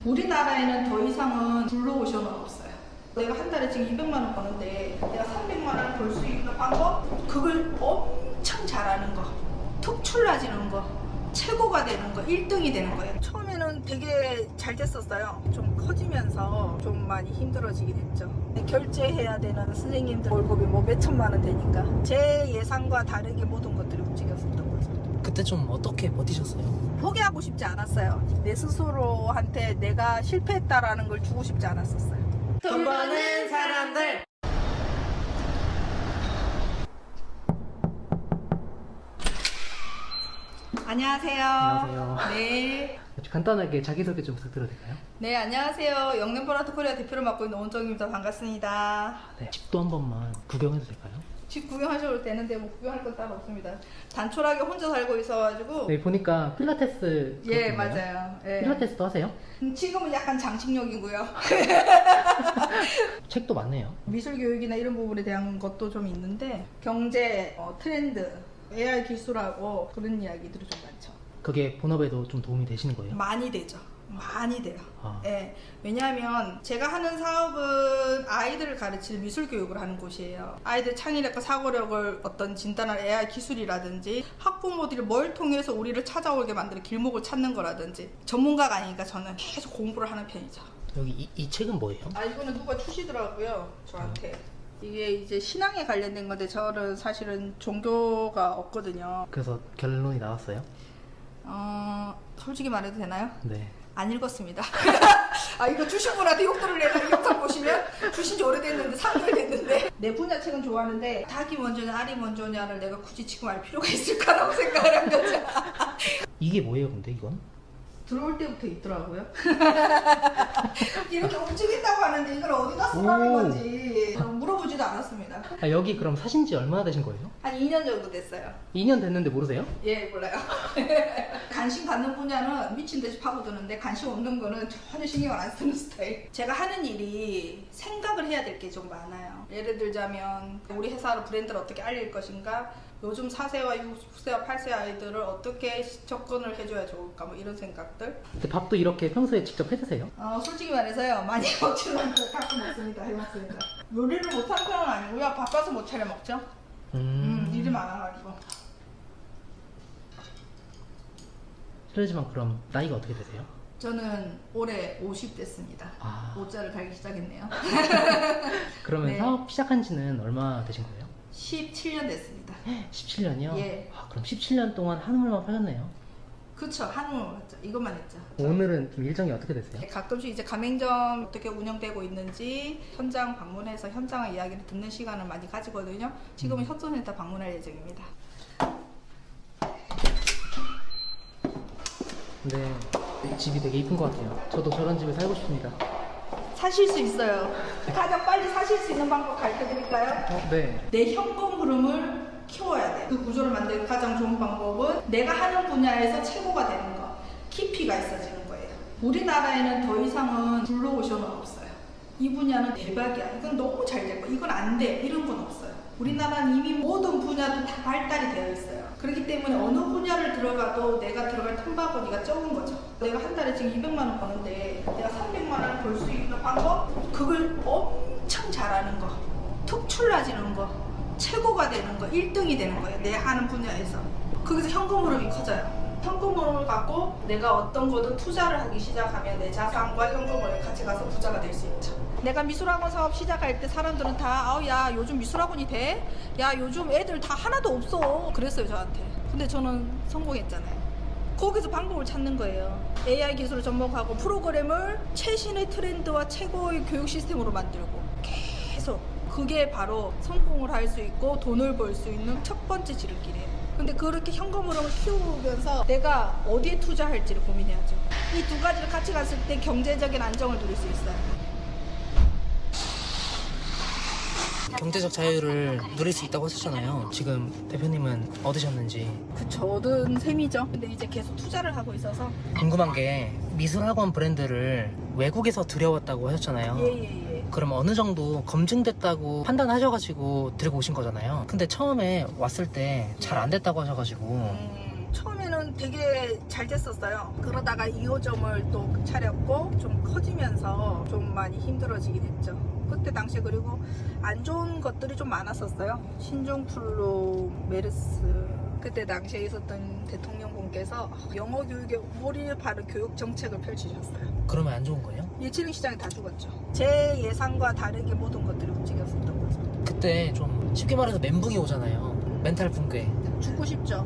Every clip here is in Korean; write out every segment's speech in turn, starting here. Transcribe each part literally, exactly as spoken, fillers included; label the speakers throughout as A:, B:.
A: 우리나라에는 더 이상은 블루오션은 없어요. 내가 한 달에 지금 이백만 원 버는데 내가 삼백만 원 벌 수 있는 방법? 그걸 엄청 잘하는 거, 특출나지는 거, 최고가 되는 거, 일 등이 되는 거예요. 처음에는 되게 잘 됐었어요. 좀 커지면서 좀 많이 힘들어지게 됐죠. 결제해야 되는 선생님들 월급이 뭐 몇천만 원 되니까 제 예상과 다르게 모든 것들이 움직였었던 거죠.
B: 그때 좀 어떻게 버티셨어요?
A: 포기하고 싶지 않았어요. 내 스스로한테 내가 실패했다라는 걸 주고 싶지 않았었어요.
B: 돈 버는 사람들.
A: 안녕하세요.
B: 안녕하세요.
A: 네.
B: 간단하게 자기소개 좀 부탁드려도 될까요?
A: 네, 안녕하세요. 영등포라트 코리아 대표를 맡고 있는 온정입니다. 반갑습니다.
B: 네. 집도 한 번만 구경해도 될까요?
A: 집 구경하셔도 되는데 뭐 구경할 건 따로 없습니다. 단촐하게 혼자 살고 있어가지고.
B: 네, 보니까 필라테스.
A: 예,
B: 그렇군요.
A: 맞아요. 예.
B: 필라테스도 하세요?
A: 음, 지금은 약간 장식용이고요.
B: 책도 많네요.
A: 미술 교육이나 이런 부분에 대한 것도 좀 있는데 경제, 어, 트렌드, 에이아이 기술하고 그런 이야기들이 좀 많죠.
B: 그게 본업에도 좀 도움이 되시는 거예요?
A: 많이 되죠. 많이 돼요.
B: 아.
A: 예. 왜냐하면 제가 하는 사업은 아이들을 가르치는 미술 교육을 하는 곳이에요. 아이들 창의력과 사고력을 어떤 진단할 에이아이 기술이라든지 학부모들이 뭘 통해서 우리를 찾아오게 만드는 길목을 찾는 거라든지 전문가가 아니니까 저는 계속 공부를 하는 편이죠.
B: 여기 이, 이 책은 뭐예요?
A: 아, 이거는 누가 주시더라고요, 저한테. 이게 이제 신앙에 관련된 건데 저는 사실은 종교가 없거든요.
B: 그래서 결론이 나왔어요?
A: 어, 솔직히 말해도 되나요?
B: 네.
A: 안 읽었습니다. 아, 이거 주신 분한테 욕 들을래나? 이 영상 보시면 주신 지 오래됐는데 삼 개월 됐는데 내 분야 책은 좋아하는데 닭이 먼저냐 알이 먼저냐를 내가 굳이 지금 알 필요가 있을까라고 생각을 한 거죠.
B: 이게 뭐예요 근데 이건?
A: 들어올 때부터 있더라고요. 이렇게 움직인다고 하는데 이걸 어디다 쓰라는
B: 오.
A: 건지 물어보지도 않았습니다.
B: 아, 여기 그럼 사신 지 얼마나 되신 거예요?
A: 한 이 년 정도 됐어요.
B: 이 년 됐는데 모르세요?
A: 예, 몰라요. 관심 갖는 분야는 미친 듯이 파고드는데 관심 없는 거는 전혀 신경을 안 쓰는 스타일. 제가 하는 일이 생각을 해야 될 게 좀 많아요. 예를 들자면 우리 회사로 브랜드를 어떻게 알릴 것인가, 요즘 사 세와 육 세와 팔 세 아이들을 어떻게 접근을 해줘야 좋을까, 뭐 이런 생각들.
B: 근데 밥도 이렇게 평소에 직접 해 드세요?
A: 어, 솔직히 말해서요, 많이 먹지는 않고 가끔 먹습니다. 해먹습니다. 요리를 못하는 편은 아니고요, 바빠서 못 차려 먹죠.
B: 음,
A: 음, 일이 많아가지고.
B: 실례지만 그럼 나이가 어떻게 되세요?
A: 저는 올해 오십 됐습니다.
B: 아.
A: 오자를 달기 시작했네요.
B: 그러면
A: 네.
B: 사업 시작한 지는 얼마 되신 거예요?
A: 십칠 년 됐습니다.
B: 십칠 년이요?
A: 예.
B: 아, 그럼 십칠 년 동안 한우물만 파셨네요.
A: 그쵸, 한우 맞죠. 이것만 했죠.
B: 오늘은 좀 일정이 어떻게 되세요?
A: 가끔씩 이제 가맹점 어떻게 운영되고 있는지 현장 방문해서 현장 이야기를 듣는 시간을 많이 가지거든요. 지금은
B: 음.
A: 협동센터 방문할 예정입니다.
B: 근데 집이 되게 이쁜 것 같아요. 저도 저런 집에 살고 싶습니다.
A: 사실 수 있어요. 가장 빨리 사실 수 있는 방법 가르쳐드릴까요?
B: 어, 네.
A: 내 현금 흐름을 키워야 돼. 그 구조를 만드는 가장 좋은 방법은 내가 하는 분야에서 최고가 되는 거, 깊이가 있어지는 거예요. 우리나라에는 더 이상은 블루오션은 없어요. 이 분야는 대박이야. 이건 너무 잘 될 거야. 이건 안 돼. 이런 건 없어요. 우리나라는 이미 모든 분야도 다 발달이 되어 있어요. 그렇기 때문에 어느 분야를 들어가도 내가 들어갈 틈바구니가 적은 거죠. 내가 한 달에 지금 이백만 원 버는데 내가 삼백만 원 벌 수 있는 방법? 그걸 엄청 잘하는 거, 특출나지는 거, 최고가 되는 거, 일 등이 되는 거예요. 내 하는 분야에서. 거기서 현금 흐름이 커져요. 현금 흐름을 갖고 내가 어떤 거든 투자를 하기 시작하면 내 자산과 현금을 같이 가서 부자가 될 수 있죠. 내가 미술학원 사업 시작할 때 사람들은 다 아우 야 요즘 미술학원이 돼? 야 요즘 애들 다 하나도 없어. 그랬어요 저한테. 근데 저는 성공했잖아요. 거기서 방법을 찾는 거예요. 에이아이 기술을 접목하고 프로그램을 최신의 트렌드와 최고의 교육 시스템으로 만들고 계속 그게 바로 성공을 할 수 있고 돈을 벌 수 있는 첫 번째 지름길이에요. 근데 그렇게 현금 흐름을 키우면서 내가 어디에 투자할지를 고민해야죠. 이 두 가지를 같이 갔을 때 경제적인 안정을 누릴 수 있어요.
B: 경제적 자유를 누릴 수 있다고 하셨잖아요. 지금 대표님은 얻으셨는지.
A: 그쵸, 얻은 셈이죠. 근데 이제 계속 투자를 하고 있어서.
B: 궁금한 게 미술학원 브랜드를 외국에서 들여왔다고 하셨잖아요.
A: 예예예.
B: 그럼 어느 정도 검증됐다고 판단하셔가지고 들고 오신 거잖아요. 근데 처음에 왔을 때 잘 안 됐다고 하셔가지고
A: 음, 처음에는 되게 잘 됐었어요. 그러다가 이 호점을 또 차렸고 좀 커지면서 좀 많이 힘들어지긴 했죠. 그때 당시에 그리고 안 좋은 것들이 좀 많았었어요. 신종플루, 메르스. 그때 당시에 있었던 대통령분께서 영어 교육에 몰입을 바른 교육 정책을 펼치셨어요.
B: 그러면 안 좋은 거예요?
A: 예체능 시장이 다 죽었죠. 제 예상과 다르게 모든 것들이 움직였었던 거죠.
B: 그때 좀 쉽게 말해서 멘붕이 오잖아요. 멘탈 붕괴.
A: 죽고 싶죠.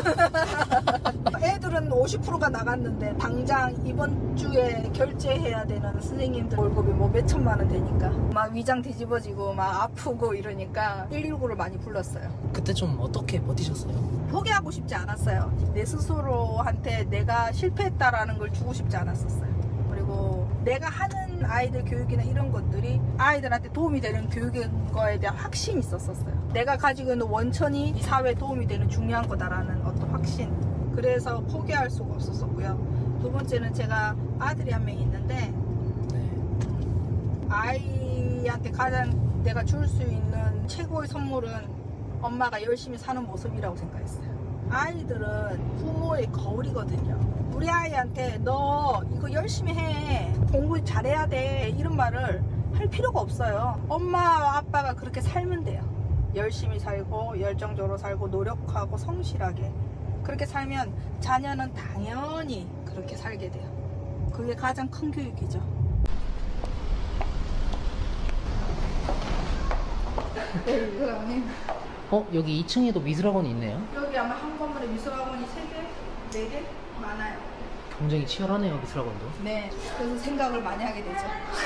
A: 애들은 오십 퍼센트가 나갔는데 당장 이번 주에 결제해야 되는 선생님들 월급이 뭐 몇천만 원 되니까 막 위장 뒤집어지고 막 아프고 이러니까 일일구를 많이 불렀어요.
B: 그때 좀 어떻게 버티셨어요?
A: 포기하고 싶지 않았어요. 내 스스로한테 내가 실패했다라는 걸 주고 싶지 않았었어요. 그리고 내가 하는 아이들 교육이나 이런 것들이 아이들한테 도움이 되는 교육인 거에 대한 확신이 있었었어요. 내가 가지고 있는 원천이 이 사회에 도움이 되는 중요한 거다라는 어떤 확신. 그래서 포기할 수가 없었었고요. 두 번째는 제가 아들이 한 명 있는데
B: 네.
A: 아이한테 가장 내가 줄 수 있는 최고의 선물은 엄마가 열심히 사는 모습이라고 생각했어요. 아이들은 부모의 거울이거든요. 우리 아이한테 너 이거 열심히 해, 공부 잘해야 돼, 이런 말을 할 필요가 없어요. 엄마 아빠가 그렇게 살면 돼요. 열심히 살고 열정적으로 살고 노력하고 성실하게 그렇게 살면 자녀는 당연히 그렇게 살게 돼요. 그게 가장 큰 교육이죠. 네, 사장님.
B: 어? 여기 이 층에도 미술학원이 있네요.
A: 여기 아마 한 건물에 미술학원이 세 개, 네 개 많아요.
B: 굉장히 치열하네요, 미술학원도.
A: 네, 그래서 생각을 많이 하게 되죠.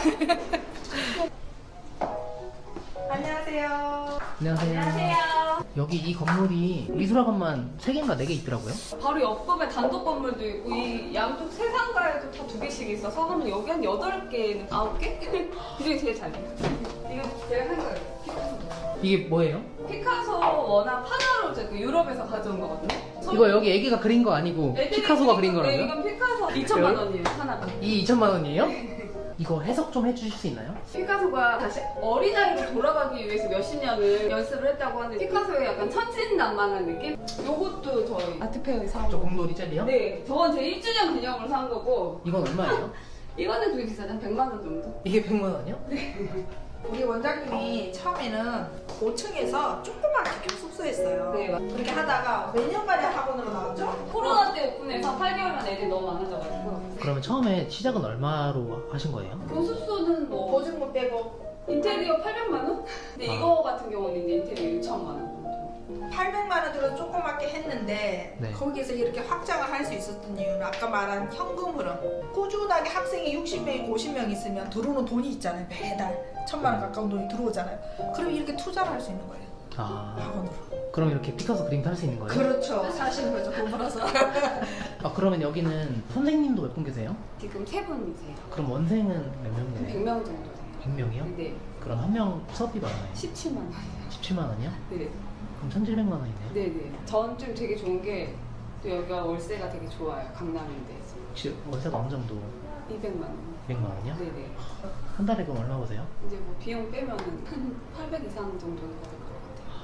A: 안녕하세요.
B: 안녕하세요.
C: 안녕하세요.
B: 여기 이 건물이 미술학원만 세 개인가 네 개 있더라고요.
C: 바로 옆급에 단독 건물도 있고 이 양쪽 세 상가에도 다 두 개씩 있어서 하면 여기 한 여덟 개, 아홉 개? 그중에 제일 잘 돼요. 이거 제가 산 거예요. 피카소.
B: 이게 뭐예요?
C: 피카소 워낙 파나로 그 유럽에서 가져온 거거든요.
B: 이거 여기 애기가 그린 거 아니고
C: 애들이
B: 피카소가 그린
C: 네,
B: 거라고요?
C: 이건 피카소 이천만 원이에요, 하나가.
B: 이 이천만 원이에요? 이거 해석 좀 해주실 수 있나요?
C: 피카소가 다시 어린아이로 돌아가기 위해서 몇십 년을 연습을 했다고 하는데 피카소의 약간 천진난만한 느낌? 요것도 저희 아트페어에 사온
B: 저
C: 거.
B: 공돌이 젤리요?
C: 네, 저건 제 일 주년 기념으로 산 거고
B: 이건 얼마예요?
C: 이거는 되게 비싸죠. 한 백만 원 정도?
B: 이게 백만 원이요?
A: 우리 원장님이 처음에는 오 층에서 조그맣게 숙소했어요.
C: 네, 맞-
A: 그렇게 하다가 몇 년 만에 학원으로 나왔죠?
C: 코로나 때 오픈해서 팔 개월 만에 애들이 너무 많아져가지고
B: 그러면 처음에 시작은 얼마로 하신 거예요?
C: 교습소는 뭐
A: 보증금 빼고
C: 인테리어 팔백만 원? 근데
B: 아.
C: 이거 같은 경우는 이제 인테리어 육천만 원 정도.
A: 팔백만 원 들어 조그맣게 했는데
B: 네.
A: 거기에서 이렇게 확장을 할 수 있었던 이유는 아까 말한 현금 흐름. 꾸준하게 학생이 육십 명이 오십 명 있으면 들어오는 돈이 있잖아요. 매달 천만 원 가까운 돈이 들어오잖아요. 그럼 이렇게 투자를 할 수 있는 거예요.
B: 아,
A: 학원으로.
B: 그럼 이렇게 피카소 그림도 할 수 있는 거예요?
A: 그렇죠. 사실 그렇죠. 돈 벌어서.
B: 아, 그러면 여기는 선생님도 몇 분 계세요?
C: 지금 세 분이세요.
B: 그럼 원생은 몇 명이에요?
C: 백 명 정도 돼요.
B: 백 명이요?
C: 네,
B: 그럼 한 명 수업비 얼마예요?
C: 십칠만 원.
B: 십칠만 원이요?
C: 네,
B: 그럼 천칠백만 원이네요.
C: 네네. 전 좀 되게 좋은 게 또 여기가 월세가 되게 좋아요. 강남인데
B: 혹시 월세가 어느 정도?
C: 이백만 원.
B: 이백만 원이요?
C: 네네.
B: 한 달에 그럼 얼마 보세요?
C: 이제 뭐 비용 빼면은 한 팔백 이상 정도는 받을 것 같아요.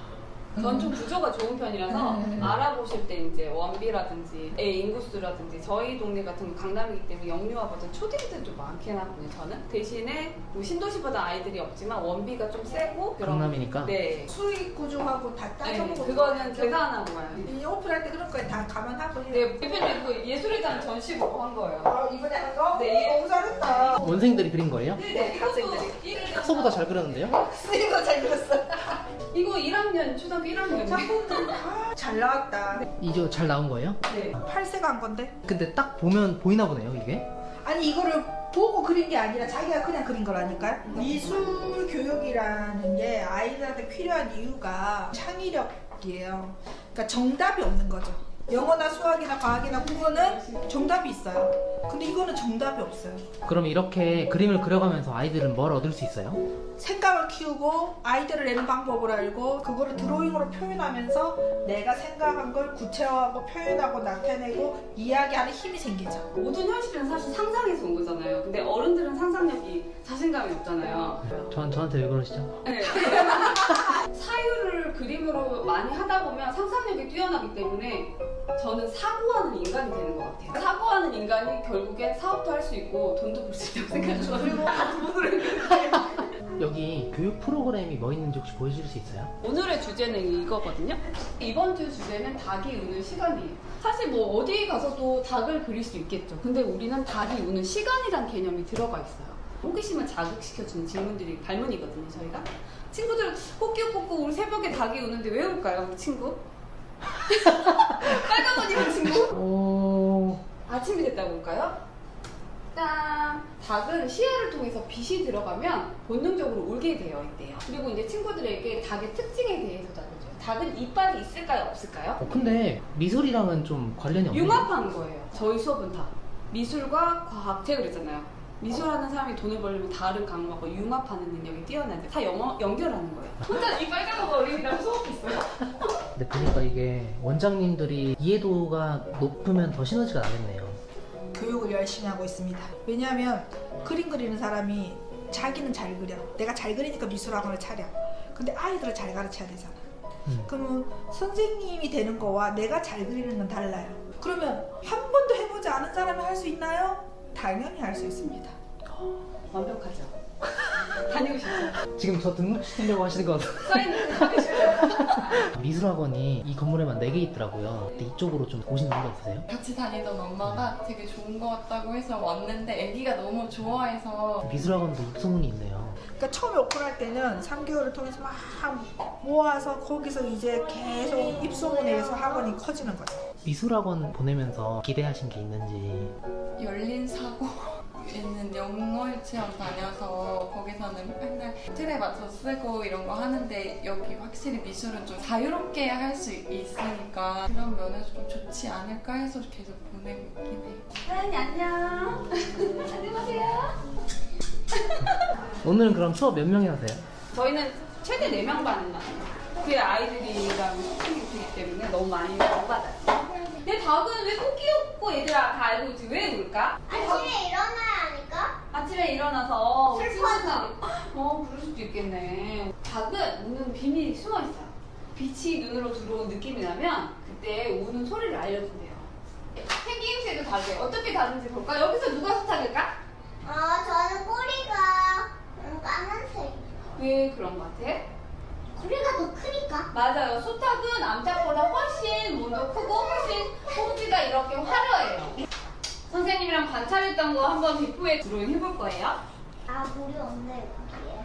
C: 전 좀 구조가 좋은 편이라서
A: 음.
C: 알아보실 때 이제 원비라든지 애 인구수라든지 저희 동네 같은 거 강남이기 때문에 영유아 버전 초딩들 좀 많긴 하거든요. 저는 대신에 뭐 신도시보다 아이들이 없지만 원비가 좀 세고 그런-
B: 강남이니까?
C: 네.
A: 수익 구조하고 다
C: 네,
A: 따져보고
C: 그거는 계산하고 가요.
A: 이 오픈할 때 그런 거에 다 감안하고.
C: 네, 대표님 그 예술의 장 전시보고 한 거예요.
A: 아, 이번에 한 거?
C: 네.
A: 너무 잘했다.
B: 원생들이 그린 거예요?
C: 네네.
A: 학생들이.
C: 이것도
B: 피카소보다 잘 그렸는데요?
A: 쓰이고 잘 그렸어.
C: 이거 일 학년 초등학교 일 학년.
A: 작품들 아, 잘 나왔다.
B: 이거 잘 나온 거예요?
C: 네.
A: 팔세가 한 건데?
B: 근데 딱 보면 보이나 보네요, 이게?
A: 아니 이거를 보고 그린 게 아니라 자기가 그냥 그린 거라니까요. 미술 교육이라는 게 아이들한테 필요한 이유가 창의력이에요. 그러니까 정답이 없는 거죠. 영어나 수학이나 과학이나 국어는 정답이 있어요. 근데 이거는 정답이 없어요.
B: 그럼 이렇게 그림을 그려가면서 아이들은 뭘 얻을 수 있어요?
A: 생각을 키우고 아이디어를 내는 방법을 알고 그거를 드로잉으로 표현하면서 내가 생각한 걸 구체화하고 표현하고 나타내고 이야기하는 힘이 생기죠.
C: 모든 현실은 사실 상상에서 온 거잖아요. 근데 어른들은 상상력이 자신감이 없잖아요.
B: 전, 저한테 왜 그러시죠?
C: 네. 사유를 그림으로 많이 하다 보면 상상력이 뛰어나기 때문에 저는 사고하는 인간이 되는 것 같아요. 사고하는 인간이 결국엔 사업도 할 수 있고 돈도 벌 수 있다고 생각해요. 그리고 돈으로
B: 여기 교육 프로그램이 뭐 있는지 혹시 보여줄 수 있어요?
C: 오늘의 주제는 이거거든요. 이번 주 주제는 닭이 우는 시간이에요. 사실 뭐 어디 가서도 닭을 그릴 수 있겠죠. 근데 우리는 닭이 우는 시간이란 개념이 들어가 있어요. 호기심을 자극시켜주는 질문들이 발문이거든요, 저희가. 친구들 꼬끼꼬꼬 우리 새벽에 닭이 우는데 왜 울까요, 우리 친구? 빨간 옷 입은 친구?
B: 오...
C: 아침이 됐다고 올까요? 짠! 닭은 시야를 통해서 빛이 들어가면 본능적으로 울게 되어 있대요. 그리고 이제 친구들에게 닭의 특징에 대해서도 알려줘요. 닭은 이빨이 있을까요? 없을까요?
B: 어, 근데 미술이랑은 좀 관련이 없네요.
C: 융합한 거예요. 저희 수업은 다. 미술과 과학, 제가 그랬잖아요. 미술하는 사람이 돈을 벌려면 다른 강목과 융합하는 능력이 뛰어난데 다 영어, 연결하는 거예요. 혼자 이 빨간 거 어린이랑 수업했어요.
B: 근데 보니까 이게 원장님들이 이해도가 높으면 더 시너지가 나겠네요.
A: 교육을 열심히 하고 있습니다. 왜냐하면 그림 그리는 사람이 자기는 잘 그려. 내가 잘 그리니까 미술학원을 차려. 근데 아이들을 잘 가르쳐야 되잖아.
B: 음.
A: 그러면 선생님이 되는 거와 내가 잘 그리는 건 달라요. 그러면 한 번도 해보지 않은 사람이 할 수 있나요? 당연히 할 수 있습니다.
C: 완벽하죠. 다니고 싶죠.
B: 지금 저 등록시키려고 하시는 것 같아요.
C: 사인을 하고 싶어요.
B: 미술학원이 이 건물에만 네 개 있더라고요. 근데 이쪽으로 좀 오신 이유가 없으세요?
D: 같이 다니던 엄마가 되게 좋은 것 같다고 해서 왔는데 애기가 너무 좋아해서
B: 미술학원도 입소문이 있네요.
A: 그러니까 처음에 오픈할 때는 삼 개월을 통해서 막 모아서 거기서 이제 계속 입소문에 의해서 학원이 커지는 거죠.
B: 미술학원 보내면서 기대하신 게 있는지.
D: 열린 사고 있는 영어 유치원 다녀서 거기서는 맨날 틀에 맞춰 쓰고 이런 거 하는데 여기 확실히 미술은 좀 자유롭게 할 수 있으니까 그런 면에서 좀 좋지 않을까 해서 계속 보내고 있긴 해요.
C: 사연이 안녕. 안녕하세요.
B: 오늘은 그럼 수업 몇 명이 하세요?
C: 저희는 최대 네 명 반만. 그 아이들이랑 소통이 되기 때문에 너무 많이 못 받아요. 내 닭은 왜 꼭 귀엽고 얘들아 다 알고 있지 왜 울까?
E: 아침에 일어나야 하니까?
C: 아침에 일어나서
E: 슬퍼서.
C: 어 그럴 수도 있겠네. 닭은 우는 비밀이 숨어 있어요. 빛이 눈으로 들어온 느낌이 나면 그때 우는 소리를 알려준대요. 생김새도 다르게 어떻게 다른지 볼까? 여기서 누가 수탉일까?
E: 어, 저는 꼬리가 음, 까만색이죠.
C: 왜 그런 것 같아?
E: 꼬리가 더 크니까?
C: 맞아요. 수탉은 암탉보다 훨씬 몸도 크고 훨씬 홈지가 이렇게 화려해요. 선생님이랑 관찰했던 거 한번 비포에 드로잉 해볼 거예요.
E: 아, 물이 없네, 여기에.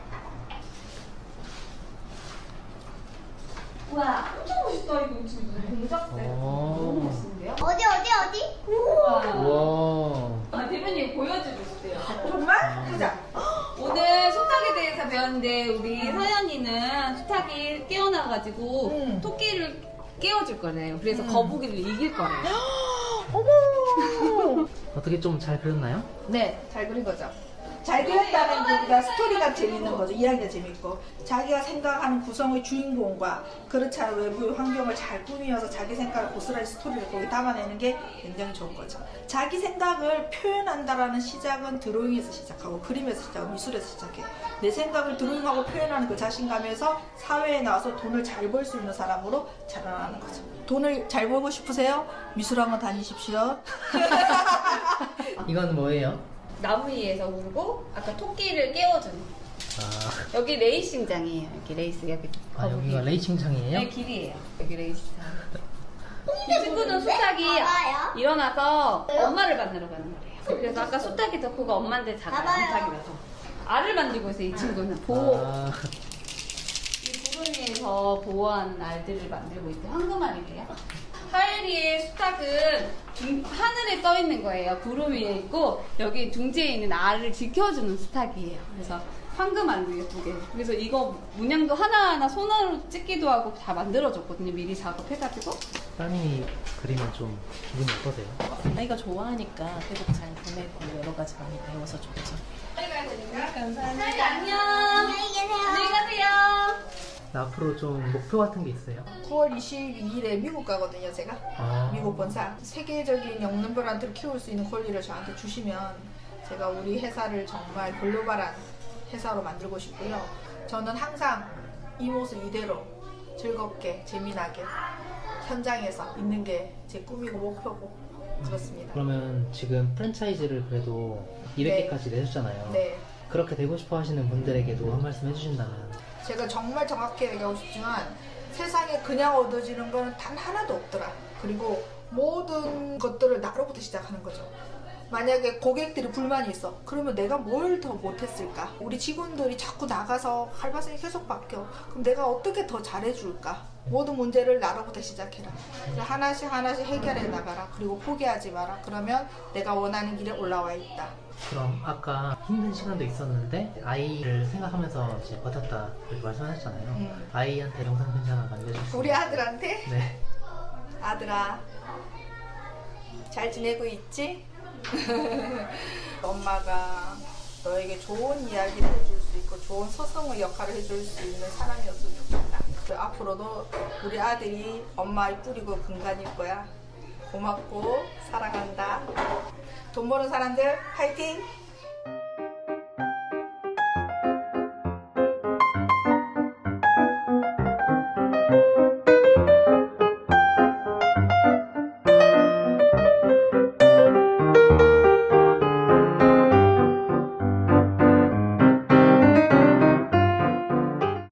C: 우와, 엄청 멋있다. 이거 지금 무슨 공작새.
B: 오.
C: 너무 멋있는데요?
E: 어디, 어디, 어디?
C: 우와.
B: 우와.
C: 아, 대표님 보여주고 싶대요.
A: 정말? 보자.
C: 오늘 수탉에 대해서 배웠는데 우리 서연이는 수탉이 깨어나가지고
A: 음.
C: 토끼를 깨워줄 거래요. 그래서
A: 음.
C: 거북이를 이길 거래요.
A: 어머!
B: 어떻게 좀 잘 그렸나요?
A: 네, 잘 그린 거죠. 잘 그렸다는 게 우리가 스토리가 재밌는 거죠. 이야기가 재밌고 자기가 생각하는 구성의 주인공과 그렇지 않은 외부의 환경을 잘 꾸미어서 자기 생각을 고스란히 스토리를 거기 담아내는 게 굉장히 좋은 거죠. 자기 생각을 표현한다라는 시작은 드로잉에서 시작하고 그림에서 시작하고 미술에서 시작해. 내 생각을 드로잉하고 표현하는 그 자신감에서 사회에 나와서 돈을 잘 벌 수 있는 사람으로 자라나는 거죠. 돈을 잘 벌고 싶으세요? 미술학원 다니십시오.
B: 이건 뭐예요?
C: 나무 위에서 울고 아까 토끼를 깨워주는.
B: 아,
C: 여기 레이싱장이에요. 여기 레이스 여기
B: 아
C: 거북이.
B: 여기가 레이싱장이에요?
C: 여기 길이에요. 여기 레이스장. 이 친구는 수탉이
E: 봐봐요.
C: 일어나서 엄마를 만나러 가는 거래요. 그래서 아까 수탉이 더 크고 엄마인데 작아요.
E: 봐봐요.
C: 수탉이라서. 알을 만들고 있어요. 이 친구는 보호.
B: 아,
C: 이 구름 위에서 보호하는 알들을 만들고 있대. 황금알이래요. 하엘이의 수탉은 둥- 하늘에 떠 있는 거예요. 구름 위에 있고 여기 둥지에 있는 알을 지켜주는 수탉이에요. 그래서 황금알로 예쁘게. 그래서 이거 문양도 하나하나 손으로 찍기도 하고 다 만들어줬거든요. 미리 작업해가지고.
B: 따님이 그리면 좀 기분이 어떠세요?
F: 아이가 좋아하니까 계속 잘 보내고 여러 가지 많이 배워서 좋죠.
C: 빨리 가야 되니까.
F: 감사합니다.
C: 하엘이 안녕.
E: 안녕히 계세요.
C: 안녕히 가세요.
B: 앞으로 좀 목표 같은 게 있어요?
A: 구월 이십이일에 미국 가거든요, 제가.
B: 아,
A: 미국 본사. 세계적인 영농별한테를 키울 수 있는 권리를 저한테 주시면 제가 우리 회사를 정말 글로벌한 회사로 만들고 싶고요. 저는 항상 이 모습 이대로 즐겁게, 재미나게 현장에서 있는 게 제 꿈이고 목표고 그렇습니다.
B: 그러면 지금 프랜차이즈를 그래도 이백 개까지 내셨잖아요.
A: 네.
B: 그렇게 되고 싶어 하시는 분들에게도 한 말씀 해주신다면.
A: 제가 정말 정확히 얘기하고 싶지만 세상에 그냥 얻어지는 건 단 하나도 없더라. 그리고 모든 것들을 나로부터 시작하는 거죠. 만약에 고객들이 불만이 있어. 그러면 내가 뭘 더 못했을까? 우리 직원들이 자꾸 나가서 알바생이 계속 바뀌어. 그럼 내가 어떻게 더 잘해줄까? 모든 문제를 나로부터 시작해라. 하나씩 하나씩 해결해 나가라. 그리고 포기하지 마라. 그러면 내가 원하는 길에 올라와 있다.
B: 그럼 아까 힘든 시간도 있었는데 아이를 생각하면서 이제 버텼다 이렇게 말씀하셨잖아요.
A: 음.
B: 아이한테 영상 편지 하나 남겨주세요.
A: 우리 아들한테?
B: 네.
A: 아들아, 잘 지내고 있지? 엄마가 너에게 좋은 이야기를 해줄 수 있고 좋은 서성의 역할을 해줄 수 있는 사람이었으면 좋겠다. 그리고 앞으로도 우리 아들이 엄마의 뿌리고 근간일 거야. 고맙고 사랑한다. 돈 버는 사람들 파이팅!